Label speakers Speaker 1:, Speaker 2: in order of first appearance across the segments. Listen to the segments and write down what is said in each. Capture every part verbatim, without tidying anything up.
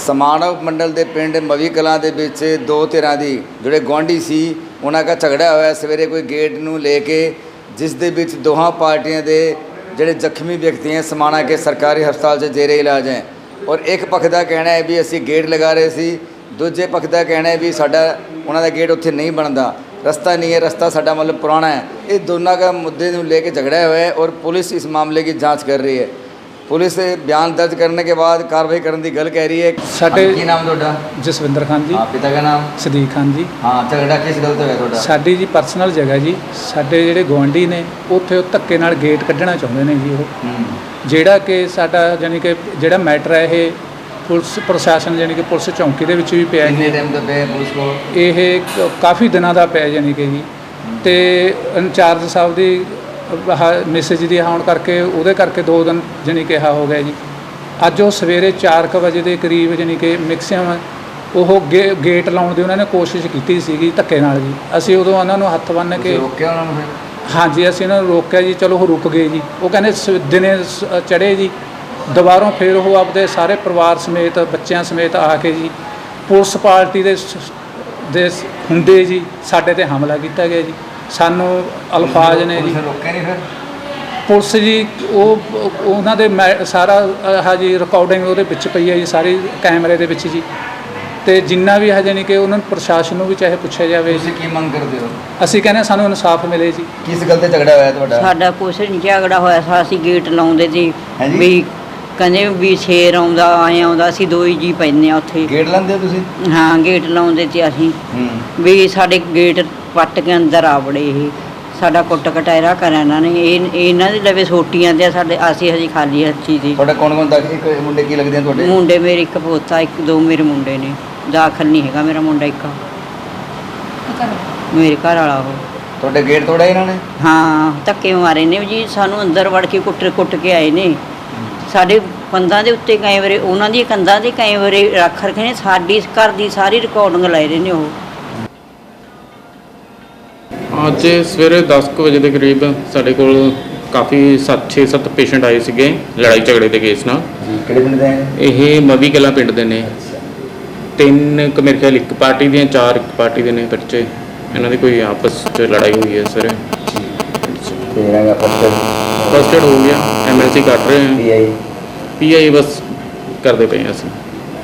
Speaker 1: समाणव मंडल के पिंड मवी कलां दे विच दो धिरां दी जिहड़े गुआढ़ी सी उन्हां दा झगड़ा होया सवेरे कोई गेट नूं लेके, जिस दे विच दोहां पार्टियां दे जिहड़े जख्मी व्यक्ति हैं समाणा के सरकारी हस्पताल च जेरे इलाज हैं। और एक पक्ष का कहना है भी असीं गेट लगा रहे सी, दूजे पक्ष का कहना है भी साडा उन्हां दा गेट उत्थे नहीं बनदा, रस्ता नहीं है, रस्ता साडा मतलब पुराना है। ये दोनों का मुद्दे नूं लेके झगड़ा हुआ है और पुलिस इस मामले की जाँच कर रही है। पुलिस बयान दर्ज करने के बाद कार्रवाई करने की गल कह रही है।
Speaker 2: साडे
Speaker 1: की नाम तुहाडा?
Speaker 2: जसविंदर खान जी।
Speaker 1: हाँ, पिता का नाम?
Speaker 2: सदीक खान जी।
Speaker 1: हाँ, झगड़ा किस गल तो है तुहाडा?
Speaker 2: साडी जी पर्सनल जगह जी, साडे जिहड़े गुआढ़ी ने उत्थे धक्के नाल गेट कढ़ना चाहुंदे ने जी ਉਹ ਜਿਹੜਾ कि साडा जानी कि ਜਿਹੜਾ मैटर है ये पुलिस प्रशासन जानी कि पुलिस चौंकी ਦੇ ਵਿੱਚ ਵੀ ਪਿਆ ਹੈ।
Speaker 1: ਕਿੰਨੇ ਟਾਈਮ ਤੋਂ ਪਿਆ ਪੁਲਿਸ ਕੋਲ?
Speaker 2: ਇਹ ਕਾਫੀ ਦਿਨਾਂ ਦਾ ਪਿਆ ਜਾਨੀ ਕਿ ਜੀ, ਤੇ ਇੰਚਾਰਜ ਸਾਹਿਬ ਦੀ ਮੈਸੇਜ ਦੀ ਆਉਣ ਕਰਕੇ ਉਹਦੇ ਕਰਕੇ ਦੋ ਦਿਨ ਜਾਨੀ ਕਿ ਹਾ ਹੋ ਗਿਆ ਜੀ। ਅੱਜ ਉਹ ਸਵੇਰੇ ਚਾਰ ਕੁ ਵਜੇ ਦੇ ਕਰੀਬ ਜਾਨੀ ਕਿ ਮੈਕਸਿਮਮ ਉਹ ਗੇ ਗੇਟ ਲਾਉਣ ਦੀ ਉਹਨਾਂ ਨੇ ਕੋਸ਼ਿਸ਼ ਕੀਤੀ ਸੀਗੀ ਧੱਕੇ ਨਾਲ ਜੀ। ਅਸੀਂ ਉਦੋਂ ਉਹਨਾਂ ਨੂੰ ਹੱਥ ਬੰਨ੍ਹ ਕੇ
Speaker 1: ਰੋਕਿਆ ਉਹਨਾਂ ਨੂੰ?
Speaker 2: ਹਾਂਜੀ, ਅਸੀਂ ਉਹਨਾਂ ਨੂੰ ਰੋਕਿਆ ਜੀ। ਚਲੋ ਉਹ ਰੁਕ ਗਏ ਜੀ। ਉਹ ਕਹਿੰਦੇ ਸ ਦਿਨੇ ਚੜ੍ਹੇ ਜੀ, ਦੁਬਾਰੋਂ ਫਿਰ ਉਹ ਆਪਦੇ ਸਾਰੇ ਪਰਿਵਾਰ ਸਮੇਤ ਬੱਚਿਆਂ ਸਮੇਤ ਆ ਕੇ ਜੀ ਪੁਲਿਸ ਪਾਰਟੀ ਦੇ ਦੇ ਹੁੰਦੇ ਜੀ ਸਾਡੇ ਤੇ ਹਮਲਾ ਕੀਤਾ ਗਿਆ ਜੀ। ਸਾਨੂੰ ਅਲਫਾਜ਼ ਨੇ ਜੀ।
Speaker 1: ਰੋਕਿਆ ਨਹੀਂ ਫਿਰ
Speaker 2: ਪੁਲਿਸ ਜੀ? ਉਹ ਉਹਨਾਂ ਦੇ ਮੈਂ ਸਾਰਾ ਆਹ ਜੀ ਰਿਕਾਰਡਿੰਗ ਉਹਦੇ ਵਿੱਚ ਪਈ ਹੈ ਜੀ, ਸਾਰੀ ਕੈਮਰੇ ਦੇ ਵਿੱਚ ਜੀ। ਤੇ ਜਿੰਨਾ ਵੀ ਹੈ ਜਾਨੀ ਕਿ ਉਹਨਾਂ ਨੂੰ ਪ੍ਰਸ਼ਾਸਨ ਨੂੰ ਵੀ ਚਾਹੇ ਪੁੱਛਿਆ ਜਾਵੇ।
Speaker 1: ਤੁਸੀਂ ਕੀ ਮੰਗ ਕਰਦੇ ਹੋ?
Speaker 2: ਅਸੀਂ ਕਹਿੰਦੇ ਸਾਨੂੰ ਇਨਸਾਫ ਮਿਲੇ ਜੀ।
Speaker 1: ਕਿਸ ਗੱਲ ਤੇ ਝਗੜਾ ਹੋਇਆ ਤੁਹਾਡਾ?
Speaker 3: ਸਾਡਾ ਕੁਛ ਨਹੀਂ ਝਗੜਾ ਹੋਇਆ ਸੀ, ਅਸੀਂ ਗੇਟ ਲਾਉਂਦੇ ਸੀ ਵੀ ਕਹਿੰਦੇ ਵੀ ਸ਼ੇਰ ਆਉਂਦਾ ਆਏ ਆਉਂਦਾ, ਅਸੀਂ ਦੋ ਹੀ ਜੀ ਪੈਂਦੇ ਆ ਉੱਥੇ।
Speaker 1: ਗੇਟ ਲਾਉਂਦੇ ਹੋ ਤੁਸੀਂ?
Speaker 3: ਹਾਂ, ਗੇਟ ਲਾਉਂਦੇ ਸੀ ਅਸੀਂ ਵੀ ਸਾਡੇ ਗੇਟ ਪੱਟ ਕੇ ਅੰਦਰ ਆ ਵੜੇ। ਇਹ ਸਾਡਾ ਕੁੱਟ ਕਟਾਇਰਾ ਕਰਿਆ ਇਹਨਾਂ ਨੇ। ਇਹ ਇਹਨਾਂ ਦੇ ਲਵੇ ਸੋਟੀਆਂ ਦੇ ਸਾਡੇ, ਅਸੀਂ ਹਜੇ ਖਾਲੀ ਹੱਥੀ ਸੀ।
Speaker 1: ਤੁਹਾਡਾ ਕੌਣ ਕੌਣ ਦਾਖਲ? ਇੱਕ ਮੁੰਡੇ ਕੀ ਲੱਗਦੇ ਆ ਤੁਹਾਡੇ?
Speaker 3: ਮੁੰਡੇ ਮੇਰੇ ਇੱਕ ਪੋਤਾ, ਇੱਕ ਦੋ ਮੇਰੇ ਮੁੰਡੇ ਨੇ। ਦਾਖਲ ਨਹੀਂ ਹੈਗਾ ਮੇਰਾ ਮੁੰਡਾ ਇੱਕ, ਮੇਰੇ ਘਰ ਵਾਲਾ ਉਹ।
Speaker 1: ਤੁਹਾਡੇ ਗੇਟ ਤੋੜਿਆ ਇਹਨਾਂ ਨੇ?
Speaker 3: ਹਾਂ, ਧੱਕੇ ਮਾਰੇ ਨੇ ਜੀ, ਸਾਨੂੰ ਅੰਦਰ ਵੜ ਕੇ ਕੁੱਟ ਕੁੱਟ ਕੇ ਆਏ ਨੇ। ਸਾਡੇ ਕੰਧਾਂ ਦੇ ਉੱਤੇ ਕਈ ਵਾਰੀ ਉਹਨਾਂ ਦੀ ਕੰਧਾਂ ਦੇ ਕਈ ਵਾਰੀ ਰੱਖ ਰੱਖੇ ਨੇ। ਸਾਡੀ ਘਰ ਦੀ ਸਾਰੀ ਰਿਕਾਰਡਿੰਗ ਲਾਏ ਰਹੇ ਨੇ ਉਹ।
Speaker 4: ਅੱਜ ਸਵੇਰੇ ਦਸ ਕੁ ਵਜੇ ਦੇ ਕਰੀਬ ਸਾਡੇ ਕੋਲ ਕਾਫੀ ਸੱਤ ਛੇ ਸੱਤ ਪੇਸ਼ੈਂਟ ਆਏ ਸੀਗੇ ਲੜਾਈ ਝਗੜੇ ਦੇ ਕੇਸ ਨਾਲ।
Speaker 1: ਕਿਹੜੇ ਪਿੰਡ ਦੇ?
Speaker 4: ਇਹ ਮਵੀ ਕਲਾਂ ਪਿੰਡ ਦੇ ਨੇ। ਤਿੰਨ ਕੁ ਮੇਰੇ ਖਿਆਲ ਇੱਕ ਪਾਰਟੀ ਦੀਆਂ, ਚਾਰ ਇੱਕ ਪਾਰਟੀ ਦੇ ਨੇ ਬੱਚੇ। ਇਹਨਾਂ ਦੀ ਕੋਈ ਆਪਸ 'ਚ ਲੜਾਈ ਹੋਈ ਹੈ ਸਰ। ਫਸਟ ਏਡ ਹੋ ਗਿਆ, ਐਮ ਐਲ ਸੀ ਕੱਟ ਰਹੇ ਹਾਂ, ਪੀ ਆਈ ਬਸ ਕਰਦੇ ਪਏ ਹਾਂ ਅਸੀਂ।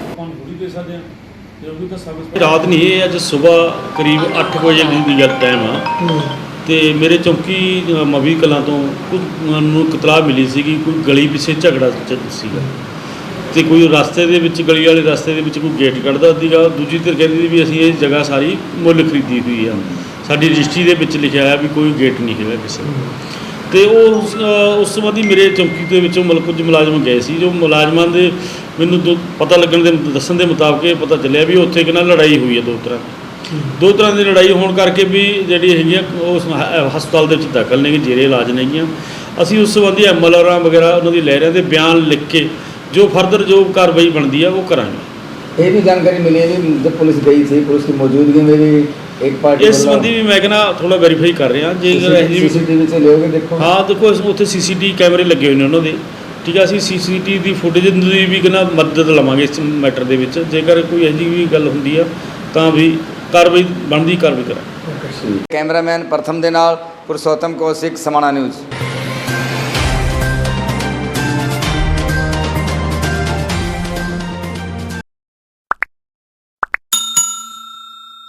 Speaker 5: ਰਾਤ ਨਹੀਂ, ਇਹ ਅੱਜ ਸਵੇਰ ਕਰੀਬ ਅੱਠ ਵਜੇ ਦੀ ਗੱਲ ਟਾਈਮ ਆ। ਤੇ ਮੇਰੇ ਚੌਂਕੀ ਮਵੀ ਕਲਾਂ ਤੋਂ ਕੁਝ ਨੂੰ ਇਤਲਾਹ ਮਿਲੀ ਸੀਗੀ ਕੋਈ ਗਲੀ ਪਿੱਛੇ ਝਗੜਾ ਸੀਗਾ, ਤੇ ਕੋਈ ਰਸਤੇ ਦੇ ਵਿੱਚ ਗਲੀ ਵਾਲੇ ਰਸਤੇ ਦੇ ਵਿੱਚ ਕੋਈ ਗੇਟ ਕੱਢਦਾ ਸੀਗਾ। ਦੂਜੀ ਧਿਰ ਕਹਿੰਦੀ ਵੀ ਅਸੀਂ ਇਹ ਜਗ੍ਹਾ ਸਾਰੀ ਮੁੱਲ ਖਰੀਦੀ ਹੋਈ ਆ, ਸਾਡੀ ਰਜਿਸਟਰੀ ਦੇ ਵਿੱਚ ਲਿਖਿਆ ਆ ਵੀ ਕੋਈ ਗੇਟ ਨਹੀਂ ਹੈਗਾ ਕਿਸੇ। ਤੇ ਉਹ ਉਸ ਸੰਬੰਧੀ ਮੇਰੇ ਚੌਂਕੀ ਦੇ ਵਿੱਚੋਂ ਮਤਲਬ ਕੁਝ ਮੁਲਾਜ਼ਮ ਗਏ ਸੀ। ਜੋ ਮੁਲਾਜ਼ਮਾਂ ਦੇ ਮੈਨੂੰ ਦੋ ਪਤਾ ਲੱਗਣ ਦੇ ਦੱਸਣ ਦੇ ਮੁਤਾਬਕ ਇਹ ਪਤਾ ਚੱਲਿਆ ਵੀ ਉੱਥੇ ਕਿੰਨਾ ਲੜਾਈ ਹੋਈ ਹੈ। ਦੋ ਤਰ੍ਹਾਂ ਦੋ ਤਰ੍ਹਾਂ ਦੀ ਲੜਾਈ ਹੋਣ ਕਰਕੇ ਵੀ ਜਿਹੜੀ ਹੈਗੀਆਂ ਉਸ ਹਸਪਤਾਲ ਦੇ ਵਿੱਚ ਦਾਖਲ ਨੇ, ਜੇਰੇ ਇਲਾਜ ਨੇਗੀਆਂ। ਅਸੀਂ ਉਸ ਸੰਬੰਧੀ ਐਮ ਐਲ ਆਰਾਂ ਵਗੈਰਾ ਉਹਨਾਂ ਦੀ ਲੈ ਰਹੇ ਦੇ ਬਿਆਨ ਲਿਖ ਕੇ ਜੋ ਫਰਦਰ ਜੋ ਕਾਰਵਾਈ ਬਣਦੀ ਆ ਉਹ ਕਰਾਂਗੇ।
Speaker 1: ਇਹ ਵੀ ਜਾਣਕਾਰੀ ਮਿਲੀ ਹੈ ਵੀ ਜਦ ਪੁਲਿਸ ਗਈ ਸੀ, ਪੁਲਿਸ ਦੀ ਮੌਜੂਦਗੀ में भी एक पार्टी
Speaker 5: ਇਸ ਸੰਬੰਧੀ ਵੀ ਮੈਂ ਕਹਿੰਦਾ ਥੋੜਾ ਵੈਰੀਫਾਈ ਕਰ ਰਹੇ ਹਾਂ। ਜੇ
Speaker 1: ਸੀਸੀਟੀਵੀ ਸੇ ਲਿਓਗੇ ਦੇਖੋ।
Speaker 5: ਹਾਂ, ਦੇਖੋ ਉੱਥੇ ਸੀਸੀਟੀਵੀ ਕੈਮਰੇ ਲੱਗੇ ਹੋਏ ਨੇ ਉਹਨਾਂ ਦੇ, ਠੀਕ ਹੈ। ਅਸੀਂ ਸੀਸੀਟੀਵੀ ਦੀ ਫੁਟੇਜ ਦੀ ਵੀ ਕਹਿੰਦਾ ਮਦਦ ਲਵਾਂਗੇ ਇਸ ਮੈਟਰ ਦੇ ਵਿੱਚ। ਜੇਕਰ ਕੋਈ ਇਹੋ ਜਿਹੀ ਵੀ ਗੱਲ ਹੁੰਦੀ ਆ ਤਾਂ ਵੀ ਕਾਰਵਾਈ ਬਣਦੀ ਕਾਰਵਾਈ ਕਰਾਂਗੇ।
Speaker 1: ਕੈਮਰਾਮੈਨ ਪ੍ਰਥਮ ਦੇ ਨਾਲ ਪੁਰਸ਼ੋਤਮ ਕੌਸ਼ਿਕ, ਸਮਾਣਾ ਨਿਊਜ਼।